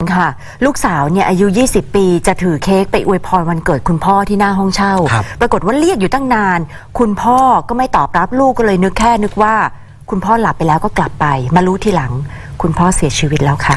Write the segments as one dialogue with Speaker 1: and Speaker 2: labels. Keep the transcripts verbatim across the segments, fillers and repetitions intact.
Speaker 1: ค่ะลูกสาวเนี่ยอายุยี่สิบปีจะถือเค้กไปอวยพรวันเกิดคุณพ่อที่หน้าห้องเช่าปรากฏว่าเรียกอยู่ตั้งนานคุณพ่อก็ไม่ตอบรับลูกก็เลยนึกแค่นึกว่าคุณพ่อหลับไปแล้วก็กลับไปมารู้ทีหลังคุณพ่อเสียชีวิตแล้วค่ะ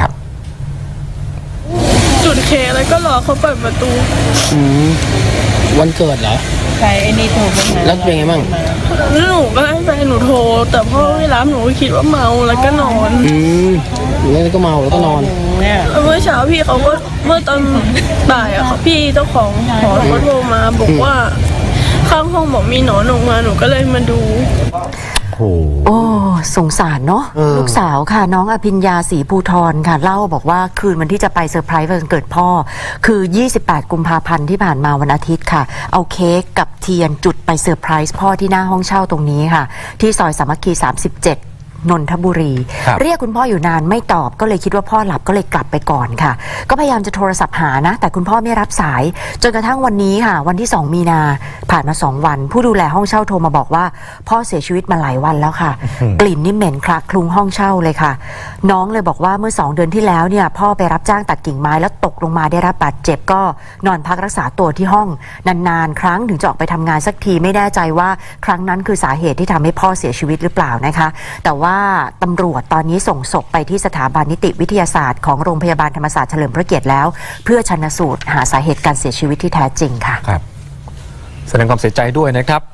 Speaker 2: จุดเค้กแล้วก็รอเขาเปิดประตู
Speaker 3: อืมวันเกิดเหรอ
Speaker 4: ใครไอ้นี่โทรมา
Speaker 3: แล้วเป็นไงบ้าง
Speaker 2: แล้วหนูก็ให้แฟนหนูโทรแต่พ่อไม่รับหนูคิดว่าเมาแล้วก็นอน
Speaker 3: อืมแล้วก็เมาแล้วก็นอน
Speaker 2: เมื่อเช้าพี่เขาก็เมื่อตอนบ่ายอะค่ะพี่เจ้าของหอเขาโทรมาบอกว่าข้างห้องบอกมีหนอนออกมาหนูก็เลยมาดู
Speaker 1: โอ้สงสารเนาะลูกสาวค่ะน้องอภิญญาศรีภูธรค่ะเล่าบอกว่าคืนวันที่จะไปเซอร์ไพรส์วันเกิดพ่อคือยี่สิบแปดกุมภาพันธ์ที่ผ่านมาวันอาทิตย์ค่ะเอาเค้กกับเทียนจุดไปเซอร์ไพรส์พ่อที่หน้าห้องเช่าตรงนี้ค่ะที่ซอยสามัคคีสามสิบเจ็ดนนทบุรีเรียกคุณพ่ออยู่นานไม่ตอบก็เลยคิดว่าพ่อหลับก็เลยกลับไปก่อนค่ะก็พยายามจะโทรศัพท์หานะแต่คุณพ่อไม่รับสายจนกระทั่งวันนี้ค่ะวันที่สองมีนาผ่านมาสองวันผู้ดูแลห้องเช่าโทรมาบอกว่าพ่อเสียชีวิตมาหลายวันแล้วค่ะกลิ่นนี่เหม็นคละคลุ้งห้องเช่าเลยค่ะน้องเลยบอกว่าเมื่อสองเดือนที่แล้วเนี่ยพ่อไปรับจ้างตัดกิ่งไม้แล้วตกลงมาได้รับบาดเจ็บก็นอนพักรักษาตัวที่ห้องนานๆครั้งถึงจะออกไปทำงานสักทีไม่แน่ใจว่าครั้งนั้นคือสาเหตุที่ทำให้พ่อเสียชีวิตหรือเปล่านะคะแต่ว่าตำรวจตอนนี้ส่งศพไปที่สถาบันนิติวิทยาศาสตร์ของโรงพยาบาลธรรมศาสตร์เฉลิมพระเกียรติแล้วเพื่อชันสูตรหาสาเหตุการเสียชีวิตที่แท้จริงค่ะ
Speaker 5: ครับแสดงความเสียใจด้วยนะครับ